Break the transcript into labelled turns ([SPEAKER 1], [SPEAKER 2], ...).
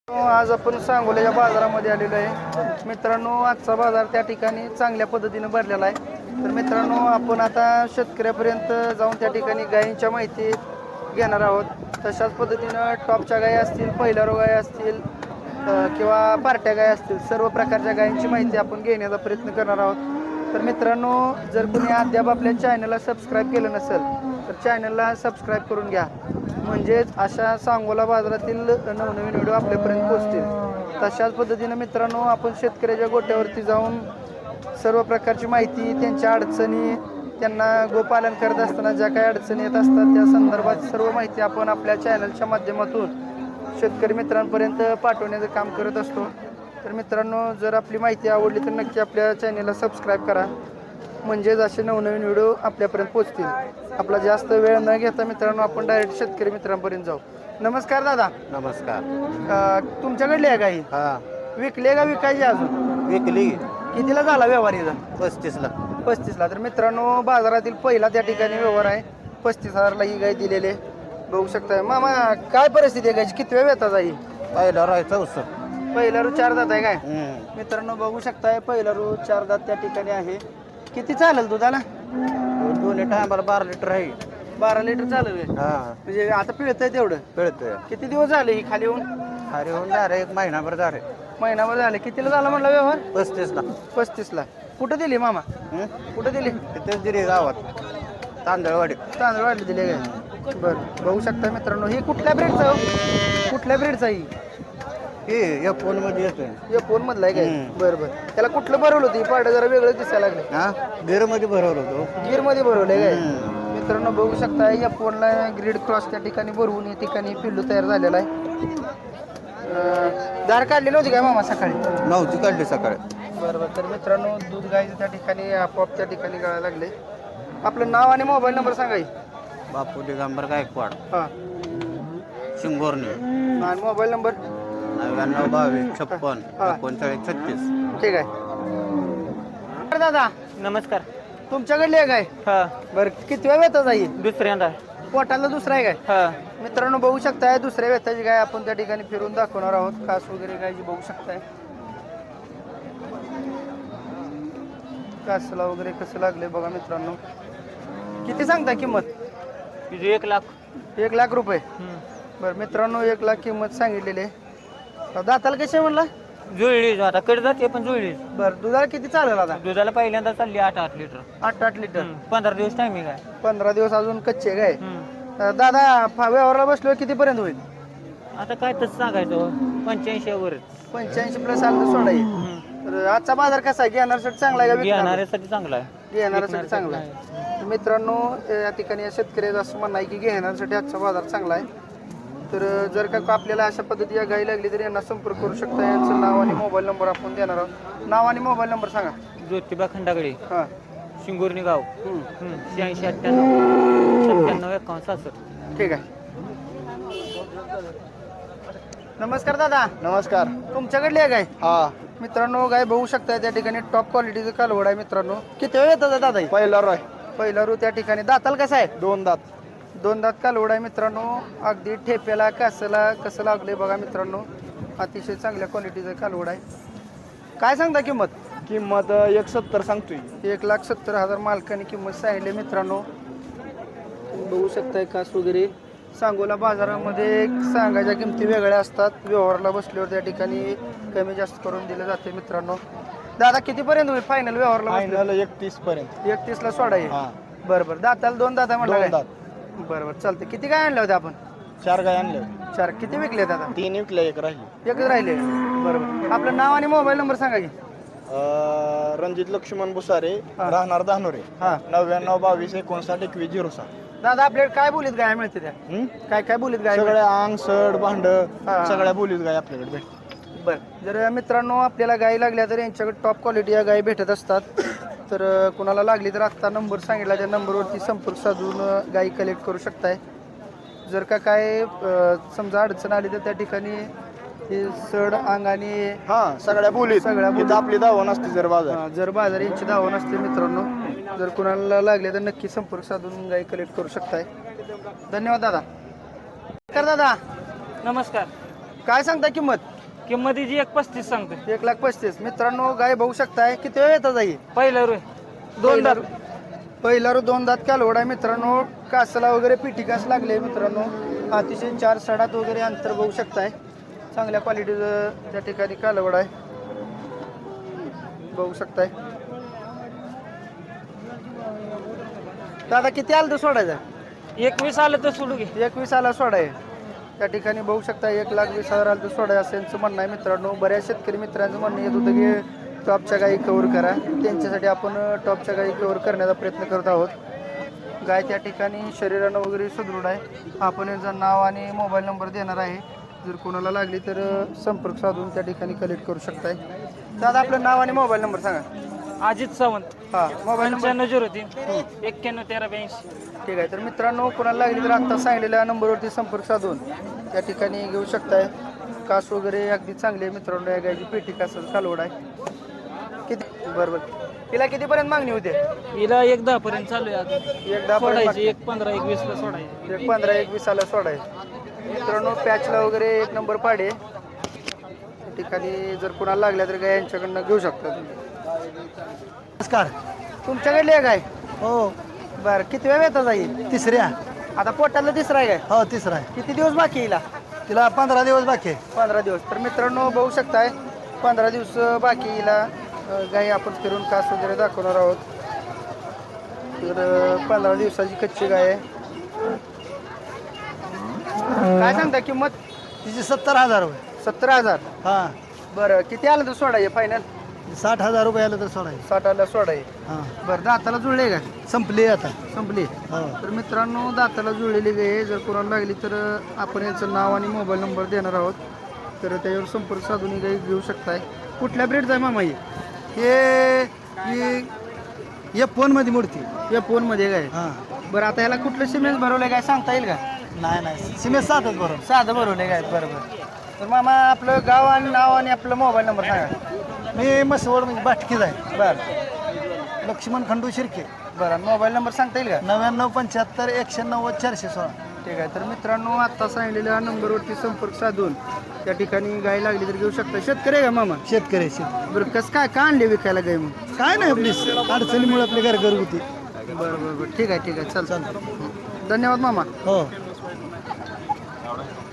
[SPEAKER 1] आज आपण सांगोल्याच्या बाजारामध्ये आलेलो आहे मित्रांनो. आजचा बाजार त्या ठिकाणी चांगल्या पद्धतीने भरलेला आहे. तर मित्रांनो, आपण आता शेतकऱ्यापर्यंत जाऊन त्या ठिकाणी गायींच्या माहिती घेणार आहोत. तशाच पद्धतीनं टॉपच्या गायी असतील, पहिल्यारो गायी असतील किंवा पार्ट्या गायी असतील, सर्व प्रकारच्या गायींची माहिती आपण घेण्याचा प्रयत्न करणार आहोत. तर मित्रांनो, जर कोणी अद्याप आपल्या चॅनलला सबस्क्राईब केलं नसेल तर चॅनलला सबस्क्राईब करून घ्या, म्हणजेच अशा सांगोला बाजारातील नवनवीन व्हिडिओ आपल्यापर्यंत पोहोचतील. तशाच पद्धतीने मित्रांनो, आपण शेतकऱ्याच्या गोट्यावरती जाऊन सर्व प्रकारची माहिती, त्यांच्या अडचणी, त्यांना गोपालन करत असताना ज्या काही अडचणी येत असतात त्या संदर्भात सर्व माहिती आपण आपल्या चॅनलच्या माध्यमातून शेतकरी मित्रांपर्यंत पाठवण्याचं काम करत असतो. तर मित्रांनो, जर आपली माहिती आवडली तर नक्की आपल्या चॅनलला सबस्क्राईब करा, म्हणजेच असे नवनवीन व्हिडिओ आपल्यापर्यंत पोहोचतील. आपला जास्त वेळ न घेता मित्रांनो, आपण डायरेक्ट शेतकरी मित्रांपर्यंत जाऊ. नमस्कार दादा.
[SPEAKER 2] नमस्कार.
[SPEAKER 1] तुमच्याकडली आहे गाई?
[SPEAKER 2] हा,
[SPEAKER 1] विकले का विकायची अजून?
[SPEAKER 2] विकली
[SPEAKER 1] कितीला झाला व्यवहारीचा?
[SPEAKER 2] 35ला.
[SPEAKER 1] 35ला. तर मित्रांनो, बाजारातील पहिला त्या ठिकाणी व्यवहार आहे. 35,000ला ही गाय दिलेली आहे, बघू शकताय. मामा, काय परिस्थिती आहे गायची? किती वेळ येतात गाई?
[SPEAKER 2] पहिला राहायचा उसर.
[SPEAKER 1] पहिला रू 4 दात आहे काय? मित्रांनो, बघू शकताय पहिला रू 4 दात त्या ठिकाणी आहे. किती चालेल दुधाला?
[SPEAKER 2] दोन्ही टायमाला 12 लिटर आहे.
[SPEAKER 1] 12 लिटर चालेल आहे.
[SPEAKER 2] हा,
[SPEAKER 1] म्हणजे आता पिळतंय तेवढं?
[SPEAKER 2] पिळतोय.
[SPEAKER 1] किती दिवस झाले ही खाली येऊन?
[SPEAKER 2] अरे होऊन जा रे, 1 महिनाभर जा रे.
[SPEAKER 1] महिनाभर झाले. कितीला झाला म्हणला व्यवहार?
[SPEAKER 2] 35ला.
[SPEAKER 1] 35ला. कुठं दिली मामा? कुठं दिली?
[SPEAKER 2] तिथेच दिली गावात, तांदळवाडी.
[SPEAKER 1] तांदूळ वाढले दिले काय? बरं, बघू शकता मित्रांनो. ही कुठल्या ब्रेडचा? कुठल्या ब्रेडचा ही?
[SPEAKER 2] हे या फोन मध्ये येतोय.
[SPEAKER 1] हे फोन मधला आहे काय? बरं बरं. त्याला कुठलं भरवलं होतं? पाड्या जरा वेगळं दिसायला लागले.
[SPEAKER 2] हा, गिर मध्ये भरवलं होतो.
[SPEAKER 1] गिर मध्ये भरवलंय काय? मित्रांनो, बघू शकता या फोनला ग्रीड क्रॉस त्या ठिकाणी भरवून या ठिकाणी पिल्लू तयार झालेला आहे. दार काढली नव्हती काय मामा सकाळी?
[SPEAKER 2] नव्हती काढली सकाळी.
[SPEAKER 1] बरोबर. तर मित्रांनो, दूध गायचं त्या ठिकाणी आपोआप त्या ठिकाणी गळायला लागले. आपलं नाव आणि मोबाईल नंबर सांगा.
[SPEAKER 2] बापू दिगंबर गायकवाड,
[SPEAKER 1] हां.
[SPEAKER 2] शिंगोर्णी.
[SPEAKER 1] आणि मोबाईल नंबर?
[SPEAKER 2] 99 22 56 39 36.
[SPEAKER 1] ठीक आहे दादा.
[SPEAKER 3] नमस्कार.
[SPEAKER 1] तुमच्याकडली आहे काय?
[SPEAKER 3] हा,
[SPEAKER 1] बरं, किती वेळ येतात आई?
[SPEAKER 3] दुसऱ्यांदा.
[SPEAKER 1] पोटाला दुसरा आहे काय?
[SPEAKER 3] हा,
[SPEAKER 1] मित्रांनो, बघू शकताय दुसऱ्या व्यथाची गाय आपण त्या ठिकाणी फिरून दाखवणार आहोत. कास वगैरे गायची बघू शकताय. कासला वगैरे कसं लागले बघा मित्रांनो. किती सांगता किंमत?
[SPEAKER 3] तुझे 1 लाख.
[SPEAKER 1] 1 लाख रुपये. बरं मित्रांनो, 1 लाख किंमत सांगितलेली आहे. दाताला कसे म्हणला?
[SPEAKER 3] जुळली आता कडे जाते पण जुळली.
[SPEAKER 1] बरं, दुधाला किती चालेल आता?
[SPEAKER 3] दुधाला पहिल्यांदा चालली 8-8 लिटर.
[SPEAKER 1] 8-8 लिटर.
[SPEAKER 3] 15 दिवस टायमिंग आहे.
[SPEAKER 1] 15 दिवस अजून कच्चे काय? दादा, व्यवहाराला बसलो कितीपर्यंत होईल?
[SPEAKER 3] आता काय तसं सांगायचं, 85 वरच.
[SPEAKER 1] 85 प्लस आलं तर सोडाई. तर आजचा बाजार कसा आहे? घेणाऱ्यासाठी चांगला आहे का विकणाऱ्या?
[SPEAKER 3] घेणाऱ्यासाठी चांगला आहे.
[SPEAKER 1] घेणाऱ्यासाठी चांगला आहे. तर मित्रांनो, या ठिकाणी या शेतकऱ्याचं असं म्हणणं आहे की घेणाऱ्यासाठी आजचा बाजार चांगला आहे. तर जर का आपल्याला अशा पद्धती या गाई लागली तर यांना संपर्क करू शकता. यांचं नाव आणि मोबाईल नंबर आपण देणार आहोत. नाव आणि मोबाईल नंबर सांगा.
[SPEAKER 3] ज्योतिबा खंडागडे,
[SPEAKER 1] हां.
[SPEAKER 3] शिंगोर्णी गाव. 86 98 97 51 66.
[SPEAKER 1] ठीक आहे. नमस्कार दादा.
[SPEAKER 2] नमस्कार.
[SPEAKER 1] तुमच्याकडली आहे गाय?
[SPEAKER 2] हा,
[SPEAKER 1] मित्रांनो, गाय बघू शकता त्या ठिकाणी टॉप क्वालिटीचं कालवड आहे. मित्रांनो, किती वेळ येतात दादा?
[SPEAKER 2] पहिला राय.
[SPEAKER 1] पहिला रू त्या ठिकाणी. दाताल कसा आहे?
[SPEAKER 2] 2 दात.
[SPEAKER 1] 2 दात कालवड आहे मित्रांनो. अगदी ठेप्याला कासाला कसं लागले बघा मित्रांनो. अतिशय चांगल्या क्वालिटीचं कालवड आहे. काय सांगता किंमत?
[SPEAKER 2] किंमत 170 सांगतोय.
[SPEAKER 1] 1,70,000 मालकाने किंमत सांगितली मित्रांनो. बघू शकताय कास वगैरे. सांगोला बाजारामध्ये सांगायच्या किमती वेगळ्या असतात. व्यवहाराला बसल्यावर त्या ठिकाणी कमी जास्त करून दिलं जाते मित्रांनो. दादा, कितीपर्यंत होईल फायनल व्यवहारला?
[SPEAKER 2] फायनल 31 पर्यंत.
[SPEAKER 1] 31ला सोडा येईल.
[SPEAKER 2] हा,
[SPEAKER 1] बरं बरं. दाताला 2 दात आहे म्हटलं
[SPEAKER 2] 2
[SPEAKER 1] काय?
[SPEAKER 2] दात.
[SPEAKER 1] बरं बरं, चालतं. किती काय आणल्या होत्या आपण?
[SPEAKER 2] 4 गाय आणले.
[SPEAKER 1] 4. किती विकले दादा?
[SPEAKER 2] 3 विकले, 1 राहिली.
[SPEAKER 1] एकच राहिले. बरोबर. आपलं नाव आणि मोबाईल नंबर सांगा की.
[SPEAKER 2] रणजित लक्ष्मण बुसारे, राहणार धानोरे.
[SPEAKER 1] हां.
[SPEAKER 2] 99 22 59 21 06.
[SPEAKER 1] दादा, आपल्याकडे काय बोलीत गाय मिळते त्या? काय काय बोलीत गाय?
[SPEAKER 2] सगळ्या अंग सड भांड
[SPEAKER 1] हा.
[SPEAKER 2] सगळ्या बोलीत गाय आपल्याकडे भेटते.
[SPEAKER 1] बरं. जर मित्रांनो आपल्याला गाय लागल्या तर यांच्याकडे टॉप क्वालिटी या गाय भेटत असतात. तर कुणाला लागली तर आत्ता नंबर सांगितला त्या नंबरवरती संपर्क साधून गाई कलेक्ट करू शकताय. जर का काय समजा अडचण आली तर त्या ठिकाणी हे सड अंग आणि
[SPEAKER 2] हा, सगळ्या बोलीत.
[SPEAKER 1] सगळ्या बोलीत.
[SPEAKER 2] इथं आपली दावा नसते जर बाजार.
[SPEAKER 1] जर बाजार यांची धावा नसते मित्रांनो. जर कुणाला लागले तर नक्की संपर्क साधून गाई कलेक्ट करू शकताय. धन्यवाद दादा. दादा,
[SPEAKER 3] नमस्कार.
[SPEAKER 1] काय सांगता किंमत?
[SPEAKER 3] किंमत हिची 1.35 सांगतो.
[SPEAKER 1] 1,35,000. मित्रांनो गाय बघू शकताय किती वेळ येतात आई
[SPEAKER 3] पहिला रुय 2 दात.
[SPEAKER 1] पहिला 2 दात कालवड आहे मित्रांनो. कासला वगैरे पिठी कास लागले मित्रांनो. अतिशय 4 सडात वगैरे अंतर बघू शकताय. चांगल्या क्वालिटीचं त्या ठिकाणी कालवड आहे बघू शकताय. दादा किती आलं तर सोडायचं?
[SPEAKER 3] 21 आलं तर सोडू घे.
[SPEAKER 1] 21 आला सोडाय. त्या ठिकाणी बघू शकता 1,20,000 आलं तर सोडाय असं यांचं म्हणणं आहे मित्रांनो. बऱ्याच शेतकरी मित्रांचं म्हणणं येत होतं की टॉपच्या गायी कव्हर करा. त्यांच्यासाठी आपण टॉपच्या गायी कव्हर करण्याचा प्रयत्न करत आहोत. गाय त्या ठिकाणी शरीरानं वगैरे सुदृढ आहे. आपण यांचं नाव आणि मोबाईल नंबर देणार आहे. जर कोणाला लागली तर संपर्क साधून त्या ठिकाणी कलेक्ट करू शकताय. दादा आपलं नाव आणि मोबाईल नंबर सांगा.
[SPEAKER 3] अजित सावंत.
[SPEAKER 1] हां मोबाईल नंबर
[SPEAKER 3] 9503 911382.
[SPEAKER 1] ठीक आहे. तर मित्रांनो कोणाला लागली तर आत्ता सांगलेल्या नंबरवरती संपर्क साधून त्या ठिकाणी घेऊ शकताय. कास वगैरे अगदी चांगली आहे मित्रांनो. या गायची पेटी कास कालवड आहे. किती बरोबर तिला कितीपर्यंत मागणी होते?
[SPEAKER 3] हिला 1.10 पर्यंत चालू आहे आता.
[SPEAKER 1] 1,10
[SPEAKER 3] सोडायची 1.15 1.20 ला सोडायची.
[SPEAKER 1] 1,15-1,20 आला सोडायचं. मित्रांनो पॅचला वगैरे 1 नंबर पाडे. त्या ठिकाणी जर कोणाला लागल्या तर गाय यांच्याकडनं घेऊ शकता.
[SPEAKER 2] नमस्कार.
[SPEAKER 1] तुमच्याकडली आहे गाय?
[SPEAKER 2] हो.
[SPEAKER 1] बरं किती वेळ येतात जाईल?
[SPEAKER 2] तिसऱ्या.
[SPEAKER 1] आता पोटाला तिसरा आहे काय?
[SPEAKER 2] हो तिसरा आहे.
[SPEAKER 1] किती दिवस बाकी येईल?
[SPEAKER 2] तिला 15 दिवस बाकी आहे.
[SPEAKER 1] 15 दिवस. तर मित्रांनो बघू शकताय 15 दिवस बाकी येईल. गाई आपण फिरून कास वगैरे दाखवणार आहोत. तर 15 दिवसाची कच्ची गाय आहे. काय सांगता किंमत?
[SPEAKER 2] तिची 70,000 रुपये.
[SPEAKER 1] 17,000.
[SPEAKER 2] हां.
[SPEAKER 1] बरं किती आलं तर सोडाय फायनल?
[SPEAKER 2] 60,000 रुपये आलं तर सोडायचं.
[SPEAKER 1] 60 आला सोडाय.
[SPEAKER 2] हां.
[SPEAKER 1] बरं दाताला जुळले का?
[SPEAKER 2] संपली आता.
[SPEAKER 1] संपली.
[SPEAKER 2] हो.
[SPEAKER 1] तर मित्रांनो दाताला जुळलेली गाय आहे. जर कोणाला लागली तर आपण यांचं नाव आणि मोबाईल नंबर देणार आहोत. तर त्याच्यावर संपर्क साधून ही गाय घेऊ शकताय. कुठल्या ब्रेडचा आहे मामा?
[SPEAKER 2] हे फोनमध्ये मूर्ती.
[SPEAKER 1] या फोनमध्ये काय?
[SPEAKER 2] हां.
[SPEAKER 1] बरं आता याला कुठलं सिमेंट भरवलंय काय सांगता येईल का?
[SPEAKER 2] नाही सिमेंट 7च बरोबर.
[SPEAKER 1] साधं भरवलंय काय? बरोबर. तर मामा आपलं गाव आणि नाव आणि आपलं मोबाईल नंबर सांगा.
[SPEAKER 2] मी मसवड म्हणजे बाटकीच आहे.
[SPEAKER 1] बरं
[SPEAKER 2] लक्ष्मण खंडू शिर्के.
[SPEAKER 1] बरं मोबाईल नंबर सांगता येईल का?
[SPEAKER 2] 9975 190 416.
[SPEAKER 1] ठीक आहे. तर मित्रांनो आत्ता सांगितलेल्या नंबरवरती संपर्क साधून त्या ठिकाणी गाय लागली तर घेऊ शकता. शेतकरी आहे का मामा?
[SPEAKER 2] शेतकरी.
[SPEAKER 1] बरं कसं काय का आणले विकायला गाय मग?
[SPEAKER 2] काय नाही आपली अडचणीमुळे आपली घरगुती.
[SPEAKER 1] बरं बरं बरं ठीक आहे ठीक आहे. चल धन्यवाद मामा.
[SPEAKER 2] हो.